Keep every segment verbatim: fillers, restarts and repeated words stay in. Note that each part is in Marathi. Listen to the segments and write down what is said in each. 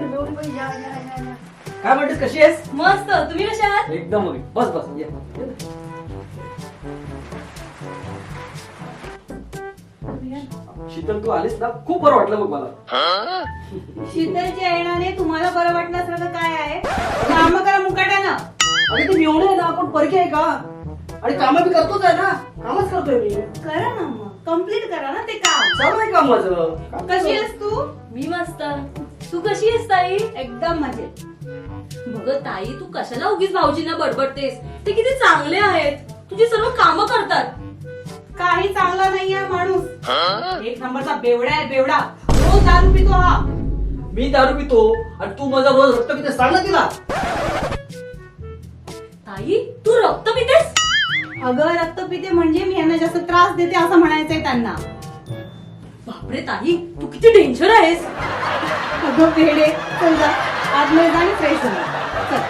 मेवणी या या या या. काय म्हणतेस, कशी आहेस? मस्त. तुम्ही कशा आहात? एकदम मग बस बस ये. शीतल, तू आलीस ना, खूप बरं वाटलं बघ मला. शीतलच्या येण्याने तुम्हाला बरं वाटण्यासारखं काय आहे? काम करा मुकाट्यानं. अरे ती मेवणी आहे ना, आपण परके आहे का? आणि काम बी करतोच आहे ना, कामच करतोय मी. करा ना मग, कम्प्लीट करा ना ते काम. चालू आहे काम माझं. कशी आहेस तू? मी मस्त. तू कशी आहेस ताई? एकदम मजेत. बघ ताई, तू कशाला उगीच भाऊजींना बडबडतेस? ते किती चांगले आहेत, तुझी सर्व कामं करतात. काही चांगला नाही आहे माणूस. एक नंबरचा बेवडा आहे, बेवडा. रोज दारू पितो हा. मी दारू पितो आणि तू माझा रोज रक्त पिते, सांग ना तिला. ताई, तू रक्त पितेस? अगं रक्त पिते म्हणजे मी यांना जास्त त्रास देते असं म्हणायचंय त्यांना. बापरे ताई, तू किती डेंजर आहेस. अगं वेडे, चल जा आतमध्ये जा आणि फ्रेश हो. चल.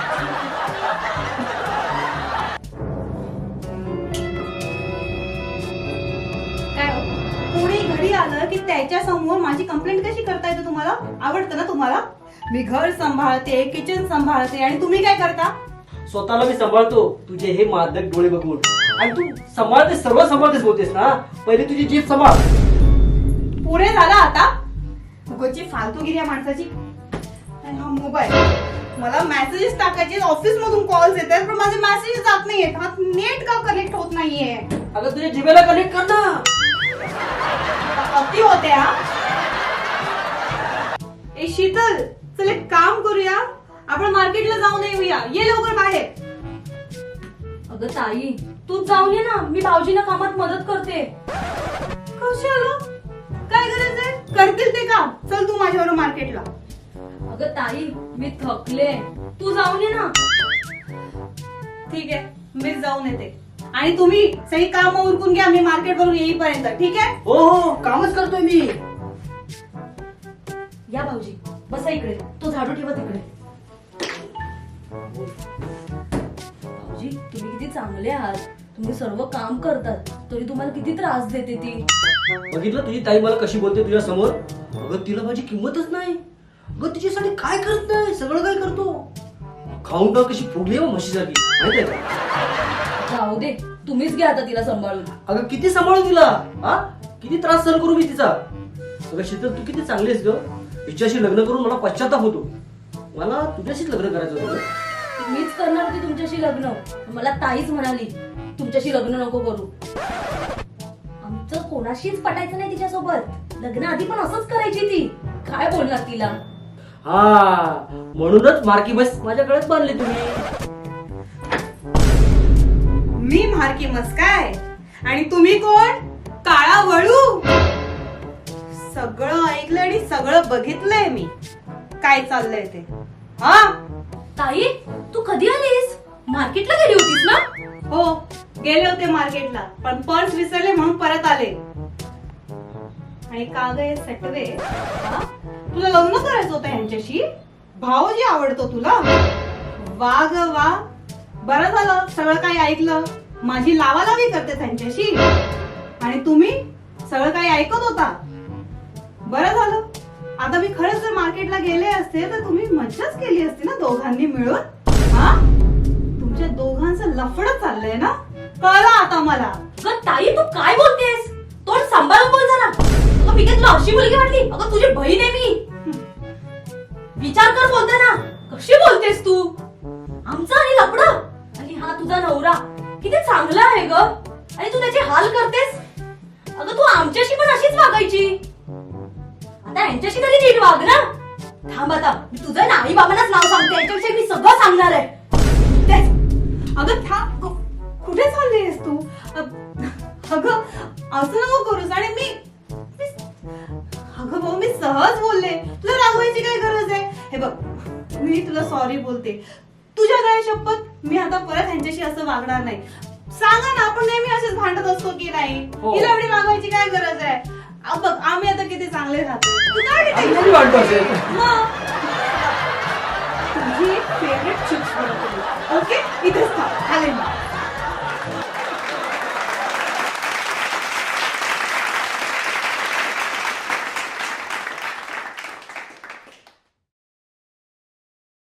काय हो? कोणी घरी आलं की त्याच्या समोर माझी कंप्लेंट कशी करता येते तुम्हाला? आवडतं ना तुम्हाला? मी घर सांभाळते, किचन सांभाळते आणि तुम्ही काय करता? स्वतःला मी सांभाळतो, तुझे हे मादक डोळे बघून. आणि तू सांभाळतेस, सर्व सांभाळतेस बोलतेस ना. पहिले तुझी जीभ सांभाळ. पुरे झाला आता. उगाची फालतूगिरी या माणसाची. आणि हा मोबाईल, मला मेसेजेस टाकायचे, ऑफिस मधून कॉल्स येतात पण माझे मेसेजेस जात नाहीयेत. हा नेट का कनेक्ट होत नाहीये? अगं तुझ्या जिभेला कनेक्ट कर ना. अति होते हा. ए शीतल, चल एक काम करूया, आपण मार्केटला जाऊन येऊया. ये लवकर बाहेर. अगं ताई, तूच जाऊन ये ना, मी भाऊजींना कामात मदत करते. कशाला? काय गरज आहे? करतील ते काम. चल तू माझ्याबरोबर मार्केटला. अगं ताई, मी थकले, तू जाऊन ये ना. ठीक आहे, मी जाऊन येते. आणि तुम्ही सगळी कामं उरकून घ्या, मी मार्केट वरून येईपर्यंत. ठीक आहे? हो हो, कामच करतोय मी. या भाऊजी, बसा इकडे. तो झाडू ठेवा तिकडे. भाऊजी, तुम्ही किती चांगले आहात. तुम्ही सर्व काम करतात, तरी तुम्हाला किती त्रास देते ती. बघितलं तुझी ताई मला कशी बोलते तुझ्या समोर. अगं तिला माझी किंमतच नाही. अगं तिच्यासाठी काय करत नाही, सगळं काय करतो. खाऊन टाक कशी फुगली आहे म्हशीसारखी, माहितीये का? जाऊ दे, तुम्हीच घ्या आता तिला सांभाळून. अगं किती सांभाळू तिला, हा किती त्रास सहन करू मी तिचा. अगं शीतल, तू किती चांगली आहेस ग. हिच्याशी लग्न करून मला पश्चाताप होतो. मला तुझ्याशीच लग्न करायचं होतं. मीच करणार होती तुमच्याशी लग्न. मला ताईच म्हणाली तुमच्याशी लग्न नको करू. आमचं कोणाशीच पटायचं नाही तिच्यासोबत. लग्न आधी पण असंच करायची ती. काय बोलणार तिला? हा म्हणूनच मार्की बस माझ्या गळ्यात बांधली तुम्ही. मी मार्की मस काय आणि तुम्ही कोण? काळा वळू. सगळं ऐकलं आणि सगळं बघितलंय मी, काय चाललंय ते. हा ताई, तू कधी आलीस? मार्केटला गेली होतीस ना? हो, गेले होते मार्केटला, पण पर्स विसरले म्हणून परत आले. आणि का ग हे सटवे, हा? तुला लग्न करायचं होतं यांच्याशी? भाऊजी आवडतो तुला? वा ग वा, बरं झालं सगळं काही ऐकलं. माझी लावालावी करते त्यांच्याशी आणि तुम्ही सगळं काही ऐकत होता. बरं झालं. आता मी खरंच जर मार्केटला गेले असते तर तुम्ही मज्जाच केली असती ना दोघांनी मिळून. हा, तुमच्या दोघांचं लफडं चाललंय ना, कळलं आता मला. ग ताई, तू काय बोलतेस? तोंड सांभाळून बोल जरा. अगं मी काय तुला अशी मुलगी वाटली? अगं तुझी बहीण आहे मी. विचार कर बोलताना. कशी बोलतेस तू? आमचा आणि लफडं आणि हा तुझा नवरा किती चांगला आहे ग, आणि तू त्याचे हाल करतेस. अगं तू आमच्याशी पण अशीच वागायची. आता यांच्याशी तरी नीट वाग ना. थांब आता, मी तुझं ना आई बाबांनाच नाव सांगते. यांच्याविषयी मी सगळं सांगणार आहे. तेच. अगं थांब, कुठे चाललीस तू? अगं असं नको करूस. आणि मी अगं भाऊ, मी सहज बोलले, तुला रागवायची काय गरज आहे? हे बघ, मी तुला सॉरी बोलते. तुझ्या काय शपथ, मी आता परत यांच्याशी असं वागणार नाही. सांगा ना, आपण नेहमी असेच भांडत असतो की नाही? हो. हिला एवढी वागवायची काय गरज आहे? बघ, आम्ही आता किती चांगले राहतो. तू काय आम्ही वाटतो असेल. मग